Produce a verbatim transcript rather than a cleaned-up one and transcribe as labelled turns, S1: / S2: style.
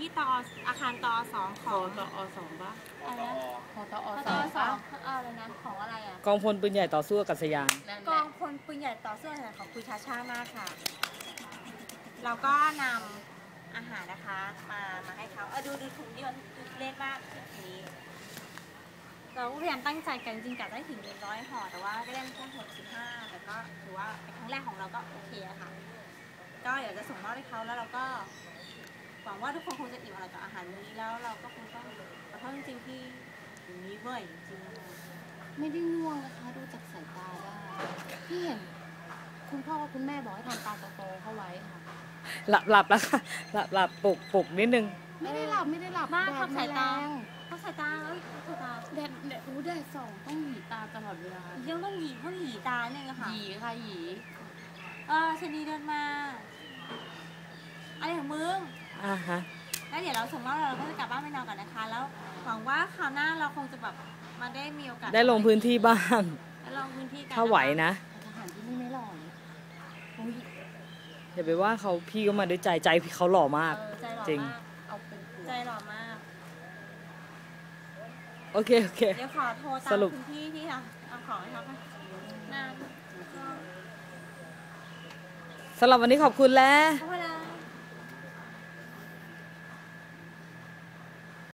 S1: ตออาคารตอสองของ
S2: ตอสองปะ
S1: อะไรนะ
S2: ของตอส
S1: ตอสอ
S2: อง
S1: อะไรนะของอะไรอ่ะ
S3: กองพลปืนใหญ่ต่อสู้อากาศยาน
S1: กองพลปืนใหญ่ต่อสู้ของคุณชาชามากค่ะเราก็นำอาหารนะคะมามาให้เขาเออดูดูถุงดิมันเล็กมากถุงนี้เราพยายามตั้งใจกันจริงๆกะได้ถึงหนึ่งร้อยห่อแต่ว่าก็ได้แค่หกสิบห้าแต่ก็ถือว่าเป็นครั้งแรกของเราก็โอเคอะค่ะก็เดี๋ยวจะส่งมอบให้เขาแล้วเราก็หวังว่าทุกคนคงจะอิ่มอร่อยกับอาหารนี้แล้วเราก็คงต้องขอโทษจริงๆที่อย่างนี้เว้ยจริงๆ
S2: ไม่ได้ง่วงนะคะดูจากสายตาได้พี่เห็นคุณพ่อคุณแม่บอกให้ทำตาโตๆเข้าไว้ค่ะ
S3: หลับหลับแล้วค่ะหลับหลับปลุกปลุกนิดนึง
S2: ไม่ได้หลับไม่ได้หลับ
S1: มากทับสายตาทับสายตาเอ้ยทับสายตา
S2: แดดแดดรู้แดดส่องต้องหยีตาตลอดเวลา
S1: ยังต้องหยีต้องหยีตาเนี่ยค่ะ
S2: หยีค่ะหยี
S1: เออชนีเดินมาอะไรของมึง
S3: อ่าฮะ
S1: แล้วเดี๋ยวเราส่งมอบเราก็จะกลับบ้านไปนอนก่อนนะคะแล้วหวังว่าคราวหน้าเราคงจะแบบมาได้มีโอกาส
S3: ได้ลงพื้นที่บ้าง
S1: ได้ลงพื้นที่กัน
S3: ถ้าไหวนะ
S2: ทหารที่นี่ไม่หล่อ
S3: อย่าไปว่าเขาพี่ก็มาด้วยใจใจพี่เขาหล่อมากจริง
S1: เอาเป็นใจหล่อมาก
S3: โอเคโอเค
S1: เดี๋ยวขอโทรตามคุณพี่ที่ทำเอาของให้เขาค่ะนาน
S3: สำหรับวันนี้ขอบคุณแล้ว